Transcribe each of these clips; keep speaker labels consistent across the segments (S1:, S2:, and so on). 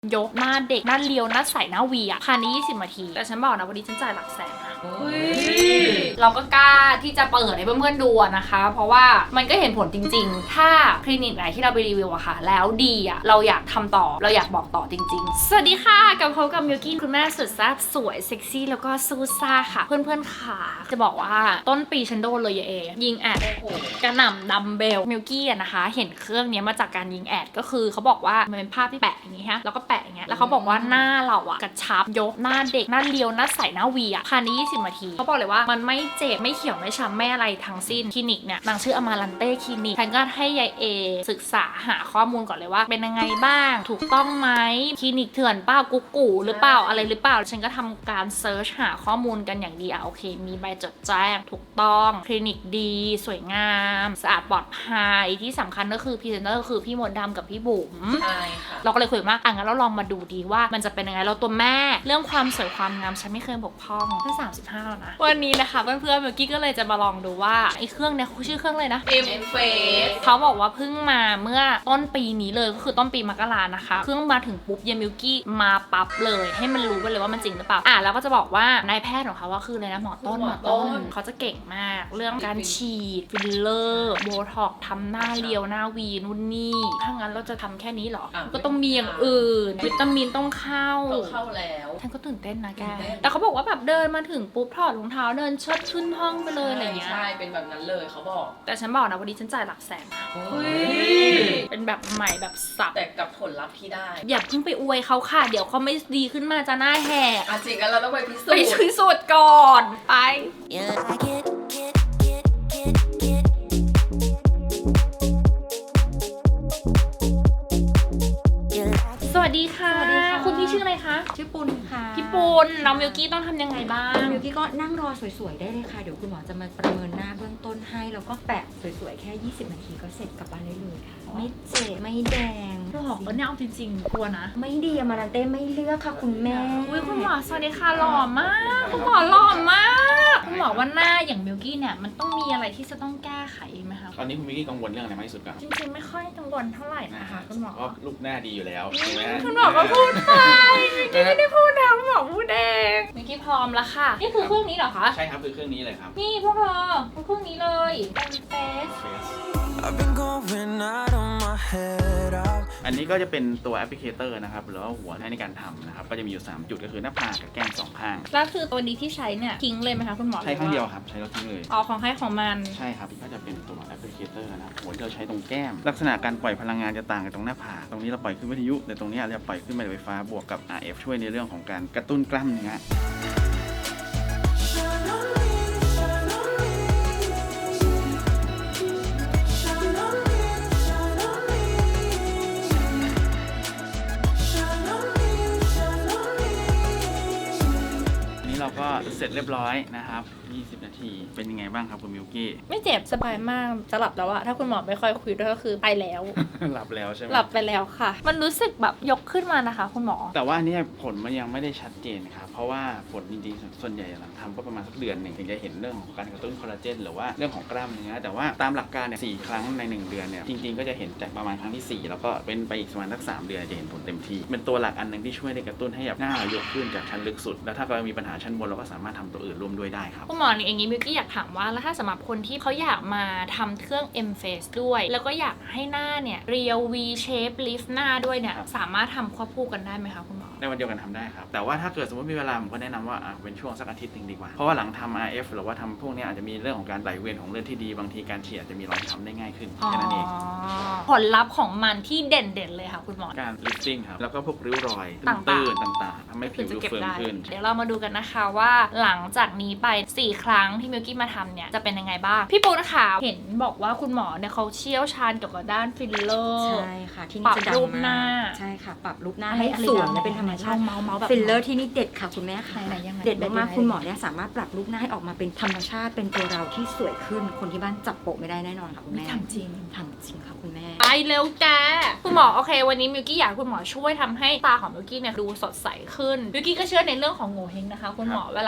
S1: ยกหน้าเด็กหน้าเรียวหน้าใสหน้าวีอ่ะภายใน20 นาทีแต่ฉันบอกนะวันนี้ฉันจ่ายหลักแสนนะเราก็กล้าที่จะเปิดให้เพื่อนๆดูนะคะ เพราะว่ามันก็เห็นผลจริงๆถ้าคลินิกไหนที่เราไปรีวิวอะค่ะแล้วดีอะเราอยากทำต่อเราอยากบอกต่อจริงๆสวัสดีค่ะกับเขากับมิวกี้คุณแม่สุดแซ่บสวยเซ็กซี่แล้วก็ซูซ่าค่ะเพื่อนๆค่ะจะบอกว่าต้นปีฉันโดนเลยเอยิงแอดกระหน่ำดัมเบลมิวกี้อะนะคะเห็นเครื่องนี้มาจากการยิงแอดก็คือเขาบอกว่ามันเป็นภาพที่แปะอย่างนี้ฮะแล้วก็แปะอย่างเงี้ยแล้วเขาบอกว่าหน้าเราอะกระชับยกหน้าเด็กหน้าเรียวหน้าใสหน้าวีอะภายใน20 นาทีเขาบอกเลยว่ามันไม่เจ็บไม่เขียวไม่ช้ำไม่อะไรทั้งสิ้นคลินิกเนี่ยนางชื่ออมาลันเต้คลินิกฉันก็ให้ยายเอศึกษาหาข้อมูลก่อนเลยว่าเป็นยังไงบ้างถูกต้องไหมคลินิกเถื่อนเปล่ากุ๊กกูหรือเปล่าอะไรหรือเปล่าฉันก็ทำการเซิร์ชหาข้อมูลกันอย่างดีโอเคมีใบจดแจ้งถูกต้องคลินิกดีสวยงามสะอาดปลอดภัยที่สำคัญก็คือพรีเซนเตอร์คือพี่มดดำกับพี่บุ๋ม
S2: ใช่ค่ะ
S1: เราก็เลยคุยว่างั้นเราลองมาดูดีว่ามันจะเป็นยังไงเราตัวแม่เรื่องความสวยความงามฉันไม่เคยบกพร่องแค่35แล้วนะวันนี้นะคะเพื่อนๆเมื่อกี้ก็เลยจะมาลองดูว่าไอ้เครื่องเนี่ยชื่อเครื่องเลยนะ
S2: M Face
S1: เขาบอกว่าเพิ่งมาเมื่อต้นปีนี้เลยก็คือต้นปีมกรานะคะเครื่องมาถึงปุ๊บเยมิวกี้มาปั๊บเลยให้มันรู้ไปเลยว่ามันจริงหรือเปล่าแล้วก็จะบอกว่านายแพทย์ของเขาว่าคือเลยนะหมอต้นเขาจะเก่งมากเรื่องการฉีดฟิลเลอร์โบท็อกทำหน้าเรียวหน้าวีนู่นนี่ถ้างั้นเราจะทำแค่นี้เหรอก็ต้องมีอย่างอื่นวิตามินต้องเข้า
S2: แล้ว
S1: ฉันก็ตื่นเต้นนะแกแต่เขาบอกว่าแบบเดินมาถึงปุ๊บถอดรองเท้าเดินเชิดขึ้นห้องไปเลยอะไรเงี้ย
S2: ใช่เป็นแบบนั้นเลยเขาบอก
S1: แต่ฉันบอกนะวันนี้ฉันจ่ายหลักแสนเป็นแบบใหม่แบบสับ
S2: แต่กับผลลัพธ์ที่ได้
S1: อย่าเพิ่งไปอวยเขาค่ะเดี๋ยวเขาไม่ดีขึ้นมาจะหน้าแหก
S2: จริงกันเราต้องไปพิสู
S1: จน์ก่อนไปสวัสดีค่ะคุณพี่ชื่ออะไรคะ
S3: ชื่อปุณค่ะ
S1: พี่ปุณน้องมิวกี้ต้องทำยังไงบ้าง
S3: มิวกี้ก็นั่งรอสวยๆได้เลยค่ะเดี๋ยวคุณหมอจะมาประเมินหน้าเบื้องต้นให้แล้วก็แปะสวยๆแค่20 นาทีก็เสร็จกลับบ้านได้เลยค่ะไม่เจ็บไม่แดง
S1: หลอกเนี่ยเอาจริงๆกลัวนะ
S3: ไม่ดีมารันเต้ไม่เลือกค่ะคุณแม่
S1: อุ้ยคุณหมอสวัสดีค่ะหล่อมากคุณหมอหล่อมากคุณหมอว่าหน้าอย่างมิวกี้เนี่ยมันต้องมีอะไรที่จะต้องแก้ไขไหมคะ
S4: ตอนนี้คุณมิกกี้กังวลเรื่องอะไรมากที่สุดครับ
S1: จริงๆไม่ค่อยกังวลเท่าไหร่นะคะคุณหมอ
S4: เพราะลูกหน้าดีอยู่แล้วถูกไหม
S1: คุณหมอก็พูดไปมิกกี้ไม่ได้พูดนะคุณหมอพูดเองมิกกี้พร้อมแล้วค่ะนี่คือเครื่องนี้เหรอคะ
S4: ใช่ครับคือเครื่องนี้เลยครับ
S1: นี่พวกเธอเครื่องนี้เลยเป็นเฟส
S4: อันนี้ก็จะเป็นตัวแอปพลิเคเตอร์นะครับหรือว่าหัวในการทำนะครับก็จะมีอยู่3จุดก็คือหน้าผากกับแก้ม2ข้าง
S1: แล้วคือตัวนี้ที่ใช้เนี่ยทิ้งเลยไหมคะคุณหมอ
S4: ใช้ครั้งเดียวครับใช้แล้วทิ้งเลย
S1: ของใครของมัน
S4: ใช่ครับก็จะเป็นตัวแอปพลิเคเตอร์นะครับหัวที่เราใช้ตรงแก้มลักษณะการปล่อยพลังงานจะต่างกันตรงหน้าผากตรงนี้เราปล่อยขึ้นวิทยุแต่ตรงนี้เราปล่อยขึ้นแม่เหล็กไฟฟ้าบวกกับ RF ช่วยในเรื่องของการกระตุ้นกล้ามเนื้อเราก็เสร็จเรียบร้อยนะครับ20 นาทีเป็นยังไงบ้างครับคุณมิวกี้
S1: ไม่เจ็บสบายมากจะหลับแล้วอะถ้าคุณหมอไม่ค่อยคุยด้วยก็คือไปแล้ว
S4: หลับแล้วใช่ไหม
S1: หลับไปแล้วค่ะมันรู้สึกแบบยกขึ้นมานะคะคุณหมอ
S4: แต่ว่านี่ผลมันยังไม่ได้ชัดเจนครับเพราะว่าผลจริงๆส่วนใหญ่หลังทำก็ประมาณสักเดือนหนึ่งถึงจะเห็นเรื่องของการกระตุ้นคอลลาเจนหรือว่าเรื่องของกล้ามเนื้อแต่ว่าตามหลักการเนี่ย4 ครั้งใน1 เดือนเนี่ยจริงๆก็จะเห็นจากประมาณครั้งที่4แล้วก็เป็นไปอีกประมาณสัก3 เดือนจะเห็นผลเต็มที่เป็นตัวหลักอันนึงที่ช่วยในกระตุ้นให้หน้าเรายกขึ้นจากชั้นลึกสุดแล้วถ้าเรามีปัญหาชั้นบนเราก็สามารถทำตัวอื่นร่วมด้วยได้ครับ
S1: คุณหมออย่างนี้มิวกี้อยากถามว่าแล้วถ้าสำหรับคนที่เขาอยากมาทำเครื่อง M Face ด้วยแล้วก็อยากให้หน้าเนี่ยเรียว V shape lift หน้าด้วยเนี่ยสามารถทำควบคู่กันได้ไหมคะคุณหมอ
S4: ในวันเดียวกันทำได้ครับแต่ว่าถ้าเกิดสมมติมีเวลาผมก็แนะนำว่าเป็นช่วงสักอาทิตย์นึงดีกว่าเพราะว่าหลังทำ RF หรือว่าทำพวกนี้อาจจะมีเรื่องของการไหลเวียนของเลือดที่ดีบางทีการฉีดอาจจะมีรอยช้ำได้ง่ายขึ้นแค่นั้นเอง
S1: ผลลัพธ์ของมันที่เด่นๆเลยค่ะคุณหมอ
S4: การ lifting ครับแล้วก็พวกริ้วรอยตื้นต่างๆทำให้ผิวดูเฟิร์มขึ้น
S1: เดี๋ยวเรามาดูกันนะคะว่าหลังจากนี้ไป4 ครั้งที่มิวกี้มาทำเนี่ยจะเป็นยังไงบ้างพี่ปูนะคะเห็นบอกว่าคุณหมอเนี่ยเขาเชี่ยวชาญเกี่ยวกับด้านฟิลเลอร์
S3: ใช่ค่ะที่นี่จะดังมากใช่ค่ะปรับรูปหน้าให้สวยและเป็นธรรมชาติฟิลเลอร์ที่นี่เด็ดค่ะคุณแม่ค่ะเด็ดมากๆคุณหมอเนี่ยสามารถปรับรูปหน้าให้ออกมาเป็นธรรมชาติเป็นตัวเราที่สวยขึ้นคนที่บ้านจับโปะไม่ได้แน่นอนค่ะคุณแม่
S1: ทำจริง
S3: ค่ะคุณแม่
S1: ไปเร็วแกคุณหมอโอเควันนี้มิวกี้อยากคุณหมอช่วยทำให้ตาของมิวกี้เนี่ยดูสดใสขึ้นมิวกี้ก็เชื่อในเรื่องของโงเ่เฮงนะคะคุณหมอเวลา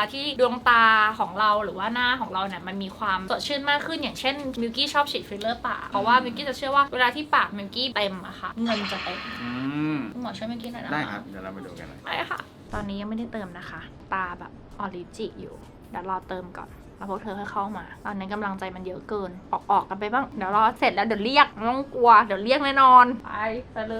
S1: าที่ดวงตาของเราหรือว่าหน้าของเราเนี่ยมันมีความสดชื่นมากขึ้นอย่างเช่นมิลกี้ชอบฉีดฟิลเลอร์ปากเพราะว่ามิลกี้จะเชื่อว่าเวลาที่ปากมิลกี้เต็มอะค่ะเงินจะเต็มคุณหมอช่วยมิลกี้หน่อยนะ
S4: ได้ครับเดี๋ยวเรามาดูกันเลย
S1: ได้ค่ะตอนนี้ยังไม่ได้เติมนะคะตาแบบออริจิอยู่เดี๋ยวรอเติมก่อนแล้วพวกเธอค่อยเข้ามาตอนนี้กำลังใจมันเยอะเกินออกกันไปบ้างเดี๋ยวรอเสร็จแล้วเดี๋ยวเรียกไม่ต้องกลัวเดี๋ยวเรียกแน่นอนไปเลย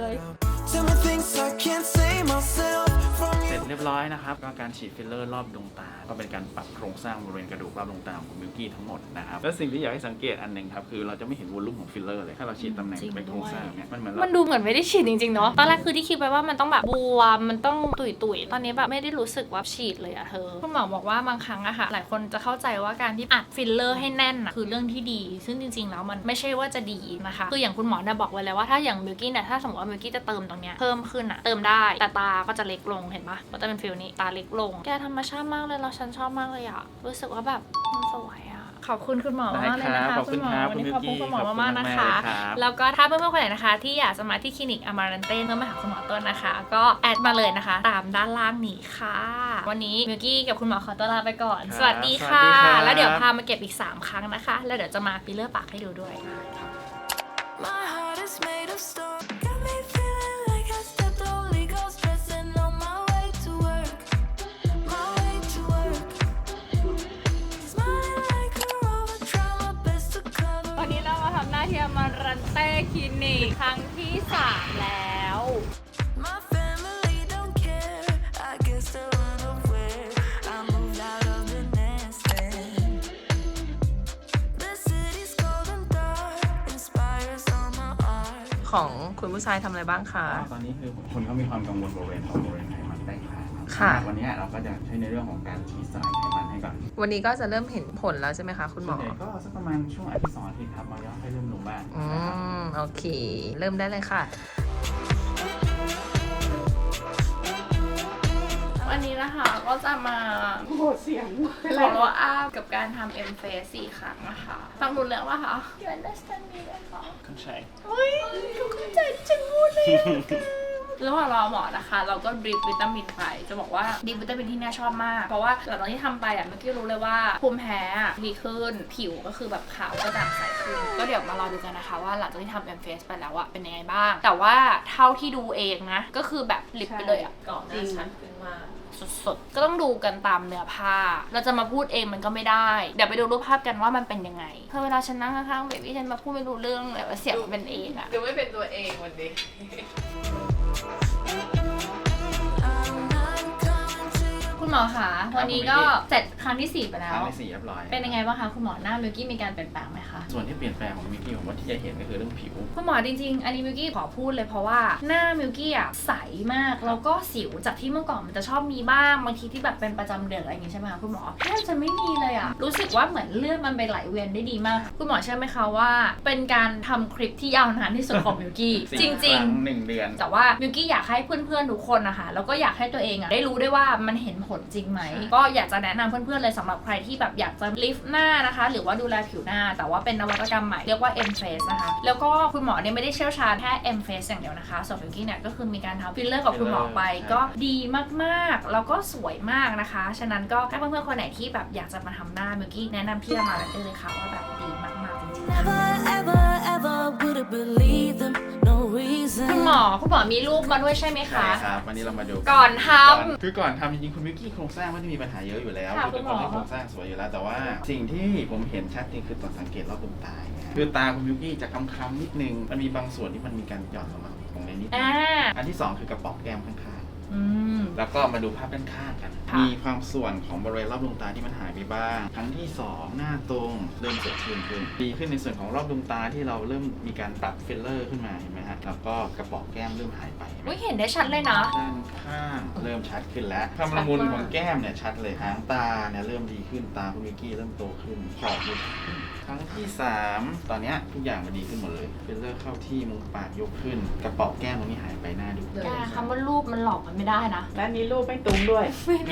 S4: เสร็จเรียบร้อยนะครับก็การฉีดฟิลเลอร์รอบดวงตาก็เป็นการปรับโครงสร้างบริเวณกระดูกรอบดวงตาของคุณมิลกี้ทั้งหมดนะครับและสิ่งที่อยากให้สังเกตอันหนึ่งครับคือเราจะไม่เห็นวอลลุ่มของฟิลเลอร์เลยถ้าเราฉีดตำแหน่งเป็นโครงสร้างเนี่ยมันเหมือน
S1: มันดูเหมือนไม่ได้ฉีดจริงๆเนาะตอนแรกคือที่คิดไปว่ามันต้องแบบบวมมันต้องตุยๆตอนนี้แบบไม่ได้รู้สึกว่าฉีดเลยอะเธอคุณหมอบอกว่าบางครั้งอะค่ะหลายคนจะเข้าใจว่าการที่อัดฟิลเลอร์ให้แน่นอะคือเรื่องที่ดีซึ่งจริงๆแล้วมันไม่ใช่ว่าจะดีนะคะคืออย่างคุณหมอเนี่ยบอกไว้เลยว่าถ้าอย่างมิลกี้เนี่ยถ้าสมมติว่ามิลกี้จะเติมตรงเนี้ยเพิ่มขึ้นอะเติมได้แต่ตาก็จะเล็กลงเห็นปะก็จะเป็นฟิลนี้ตาเล็กลงแกธรรมชาติมากเลยเราฉันชอบมากเลยอะรู้สึกว่าแบบมันสวยอะขอบคุณคุณหมอมากเลยนะคะคุณหมอวันนี้ขอบคุณคุณหมอมากๆนะคะแล้วก็ถ้าเพื่อนๆคนไหนนะคะที่อยากจะมาที่คลินิกอมารันเต้เพื่อมาหาคุณหมอต้นนะคะก็แอดมาเลยนะคะตามด้านล่างนี้ค่ะวันนี้มิลกี้กับคุณหมอขอตัวลาไปก่อนสวัสดีค่ะแล้วเดี๋ยวพามาเก็บอีก3ครั้งนะคะแล้วเดี๋ยวจะมาฟิลเลอร์ปากให้ดูด้วย
S5: My heart is made of stone. Got me feeling like I stepped Holy Ghost, dressing on my way to work. My way to work. Smiling like a rover, try my best to cover.
S1: วันนี้เรามาทำหน้าที่อมารันเต้คลินิกครั้งที่3แล้ว
S5: My family don't care. I guess they're unaware. I moved out of the nest and the city's cold and dark inspires all my art.
S2: ของคุณผู้ชายทำอะไรบ้างคะ
S4: ตอนนี้คือคนเขามีความกังวลบริเวณของบริเวณไขมันใต้คาง
S2: ค่ะ
S4: วันนี้เราก็จะใช้ในเรื่องของการฉีดสลายไขมันให้ก่อน
S2: วันนี้ก็จะเริ่มเห็นผลแล้วใช่ไหมคะคุณหม
S4: ส่วน
S2: อ
S4: ใหญ่ก็สักประมาณช่วงอาทิตย์2 อาทิตย์ครับมันก็ค่อยเริ่มลงบ้างนะครับ
S2: โอเค เริ่มได้เลยค่ะ
S1: วันนี้นะคะก็จะมาโหดเสียงขอโลอัพกับการทำ M Face 4 ครั้งนะคะฟังรู้เรื่องป่ะคะ You understand me ไหมคะ
S4: เข้าใจ
S1: เฮ้ยทุกคนใจจังพูดเลยระหว่างรอหมอนะคะ เราก็ดริปวิตามินไปจะบอกว่าดริปวิตามินที่น่าชอบมาก เพราะว่าหลังจากที่ทำไปเมื่อกี้รู้เลยว่าภูมิแพ้ดีขึ้นผิวก็คือแบบขาวกระจ่างใสขึ้นก็เดี๋ยวมารอดูกันนะคะว่าหลังจากที่ทำ M Face ไปแล้วเป็นยังไงบ้าง แต่ว่าเท่าที่ดูเองนะก็คือแบบลิปไปเลยอะ
S2: ก่อนหน้าชัดขึ้นมาก
S1: สดๆก็ต้องดูกันตามเนื้อผ้าเราจะมาพูดเองมันก็ไม่ได้เดี๋ยวไปดูรูปภาพกันว่ามันเป็นยังไงเพราะเวลาฉันนั่งข้างๆเบบี้ฉันมาพูดไม่รู้เรื่องเลยว่าเสียงมันเป็นเองอะ
S2: ดูไม่เป็นตัวเองวันนี้
S5: I'm not coming to you.
S1: คุณหมอคะวันนี้ก็เสร็จครั้งที่4ไปแล้
S4: คว รั้งที่4เรียบร้อย
S1: เป็นยังไงบ้างคะคุณหมอหน้ามิลกี้มีการเปลี่ยนแปลงไหมคะ
S4: ส่วนที่เปลี่ยนแปลงของมิกกี้ผมว่าที่จะเห็นก็คือเรื่องผิว
S1: คุณหมอจริงๆอันนี้มิลกี้ขอพูดเลยเพราะว่าหน้ามิลกี้อะใสมากแล้วก็สิวจากที่เมื่อก่อนมันจะชอบมีบ้างบางทีที่แบบเป็นประจำเดือนอะไรอย่างงี้ใช่ไหมคะคุณหมอแทบจะไม่มีเลยอะรู้สึกว่าเหมือนเลือดมันไปไหลเวียนได้ดีมาก คุณหมอเชื่อไหมคะว่าเป็นการทำคลิปที่ยาวนานที่สุดของมิลกี้
S4: 4
S1: จริง
S4: ครั้ง 1 เดือน
S1: แต่ว่ามิลกี้อยากให้เพื่อนๆทุกคนนะคะแล้วก็อยากให้ตัวเองได้รู้ด้วยว่ามันเห็นผลจริงไหมก็อยากจะแนะนำเพื่อนๆเลยสำหรับใครที่แบบอยากจะลิฟต์หน้านะคะหรือว่าดูแลผิวหน้าแต่ว่าเป็นนวัตกรรมใหม่เรียกว่า M Face นะคะแล้วก็คุณหมอเนี่ยไม่ได้เชี่ยวชาญแค่ M Face อย่างเดียวนะคะส่วนมิลกี้เนี่ยก็คือมีการทำฟิลเลอร์กับคุณหมอไปก็ดีมากๆแล้วก็สวยมากนะคะฉะนั้นก็ถ้าเพื่อนๆคนไหนที่แบบอยากจะมาทำหน้ามิลกี้แนะนำพี่มาได้เลยค่ะว่าแบบดีมากๆจริงๆ
S5: Never, ever, ever would have believed them. No reason.
S1: คุณหมอมีรูปมาด้วยใช่ไหม
S4: ใช่
S1: คะ
S4: ครับ วันนี้เรามาดู
S1: ก่อนท
S4: คือก่อนทำจริงๆคุณมิกกี้โครงสร้างไม่ได้มีปัญหาเยอะอยู่แล้ว
S1: ค่ะ
S4: คือเป็นคน
S1: คุณหมอ
S4: ที่โครงสร้างสวยอยู่แล้วแต่ว่าสิ่งที่ผมเห็นชัดจริงคือตอนสังเกตรอบดวงตาเนี่ยคือตาคุณมิกกี้จะคล้ำๆนิดนึงมันมีบางส่วนที่มันมีการหย่อนลงมาตรงในนิดนึงอันที่2คือกระป๋องแก้มข้างๆแล้วก็มาดูภาพด้านข้างกัน
S1: ค่ะ
S4: มีความส่วนของบริเวณรอบดวงตาที่มันหายไปบ้างครั้งที่2หน้าตรงเริ่มสดชื่นขึ้นดีขึ้นในส่วนของรอบดวงตาที่เราเริ่มมีการปรับฟิลเลอร์ขึ้นมาเห็นไหมฮะแล้วก็กระป๋องแก้มเริ่มหายไปเห็นไหม
S1: อุ๊ยเห็นได้ชัดเลยนะ
S4: ด้านข้างเริ่มชัดขึ้นแล้วความละมุนของแก้มเนี่ยชัดเลยหางตาเนี่ยเริ่มดีขึ้นตาคุณมิกกี้เริ่มโตขึ้นขอบดูชัดขึ้นครั้งที่3ตอนเนี้ยทุกอย่างมันดีขึ้นหมดเลยฟิลเลอร์เข้าที่มุมปากยกขึ้นกระเป๋าแก้มตรงนี้หายไปหน้าดู
S1: แกคำว่ารูปมันหลอกมันไม่ได้นะ ห
S6: นะนี่รูปไม่ตุ้มด้วย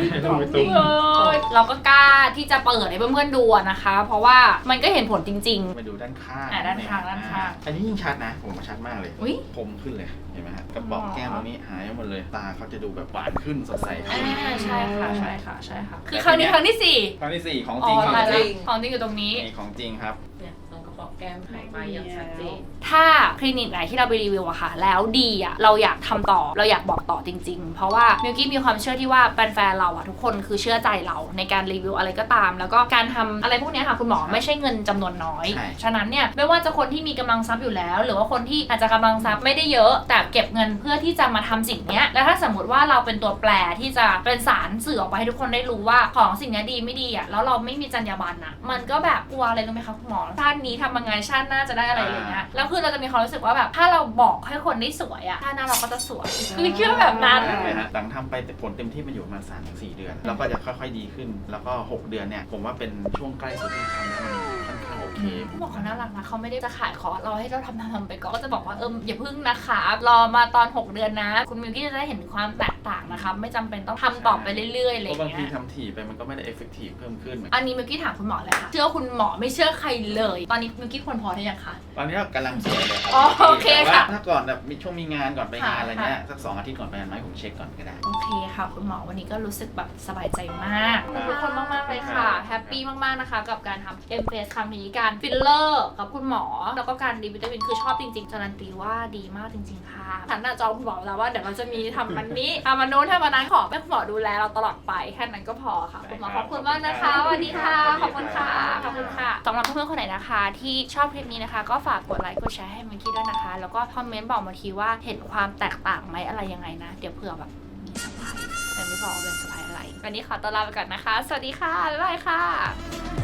S1: เราก็กล้าที่จะเปิดให้เพื่อนๆดูนะคะ เพราะว่ามันก็เห็นผลจริง
S4: มาดูด้านข้าง
S1: ด้านข้างด้านข้าง
S4: อันนี้ยิ่งชัดนะ ผมว่าชัดมากเลย
S1: อุ๊ย
S4: คมขึ้นเลย เห็นไหมฮะกระบอกแก้มตรงนี้หายไปหมดเลย ตาเขาจะดูแบบหวานขึ้นสดใส
S1: ๆ
S4: ขึ้น
S1: ใช่ค่ะใช่ค่ะใช่ค่ะคือครั้งนี้ครั้งที่สี่
S4: ครั้งที่ 4 ของ
S1: อ๋
S4: จริง
S1: อ
S4: ของ
S1: ตาย
S4: จ
S1: แล้
S4: ริ
S1: ว
S4: ง
S1: ของจริงอยู่ตรงนี้
S4: นี่ของจริงครับ
S2: เนี่ยตรงกระบอกแก้มหายไปอย่างชัดเจน
S1: ถ้าคลินิกไหนที่เราไปรีวิวอะค่ะ แล้วดีอะเราอยากทำต่อเราอยากบอกต่อจริงๆ เพราะว่ามิวกี้มีความเชื่อที่ว่าแฟนๆเราอะทุกคนคือเชื่อใจเราในการรีวิวอะไรก็ตาม แล้วก็การทำอะไรพวกเนี้ยค่ะคุณหมอไม่ใช่เงินจำนวนน้อย
S4: ใช่
S1: ฉะนั้นเนี่ยไม่ว่าจะคนที่มีกำลังทรัพย์อยู่แล้ว หรือว่าคนที่อาจจะกำลังทรัพย์ไม่ได้เยอะ แต่เก็บเงินเพื่อที่จะมาทำสิ่งเนี้ยแล้วถ้าสมมติว่าเราเป็นตัวแปรที่จะเป็นสารสื่อออกไปให้ทุกคนได้รู้ว่าของสิ่งเนี้ยดีไม่ดีอะแล้วเราไม่มีจรรยาบรรณอะมันก็แบบกลัวอะไรรู้ไหมคะคุณหมอชาตินี้ทำยังไงชาติหน้าจะได้อะไรอย่างเงี้ยแล้วคือเราจะมีความรู้สึกว่าแบบถ้าเราบอกให้คนได้สวยอะชาติหน้าเราก็จะสวยคือเชื่อแบบนั้น
S4: ใช่ฮะหลังทำไปแต่ผลเต็มที่มันอยู่ประมาณ3-4 เดือน แล้วก็จะค่อยๆดีขึ้น แล้วก็ 6 เดือนเนี่ย ผมว่าเป็นช่วงใกล้สุดที่ทำแล้วมันค่อนข้างโอเค
S1: ผู้บอกเขาน่ารักนะเขาไม่ได้จะขายคอร์สเราให้เราทำไปก่อนก็จะบอกว่าอย่าพึ่งนะคะรอมาตอน 6 เดือนนะ คุณมิวกี้จะได้เห็นความแตกต่างนะคะไม่จำเป็นต้องทำต่อไปเรื่อยๆอะไรอ
S4: เพราะ
S1: ย่าง
S4: บางที
S1: เงี้ย
S4: ทำถี่ไปมันก็ไม่ได้เอฟเฟกตีฟเพิ่มขึ้น
S1: อันนี้มิวกี้ถามคุณหมอเลยค่ะเชื่อคุณหมอไม่เชื่อใครเลย ตอนนี้มิวกี้ควรพอหรือยังคะ
S4: ตอนนี้กำลังสวยเลยครั
S1: อ๋อโอเค
S4: แต่ว่า
S1: ค่ะ
S4: ถ้าก่อนแบบมีช่วงมีงานก่อนไปงาน
S1: ค่ะ
S4: อะไรเงี้ยสัก2 อาทิตย์ก่อนไปงานไหมผมเช็คก่อนก็ได้
S1: โอเคค่ะคุณหมอวันนี้ก็รู้สึกแบบสบายใจมากขอบคุณทุกคนมากๆเลยค่ะแฮปปี้มากๆนะคะกับการทำ M Face ครั้งนี้การฟิลเลอร์กับคุณหมอแล้วก็การดีวิตามินคือชอบจริงๆการันตีว่าดีมากจริง ๆ ค่ะหันหน้าจอคุณหมอแล้วว่าเดี๋ยวเราจะมีทำมันนี้ทำมันโน้นทำมันนั้นขอให้คุณหมอดูแลเราตลอดไปแค่นั้นก็พอค่ะคุณหมอขอบคุณมากนะคะสวัสดีค่ะขอบคุณค่ะขอบคุณค่ะสำหรับเพื่อนๆคนไหนนะคะที่ชอบคลิปนี้นะคะ ก็ฝากกดไลค์กดแชร์ให้มิกกี้ด้วยนะคะแล้วก็คอมเมนต์บอกมาทีว่าเห็นความแตกต่างไหมอะไรยังไงนะเดี๋ยวเผื่อแบบมีเซอร์ไพรส์แต่ไม่บอกว่าเป็นเซอร์ไพรส์อะไรวันนี้ขอตัวลาไปก่อนนะคะ สวัสดีค่ะ บ๊ายบายค่ะ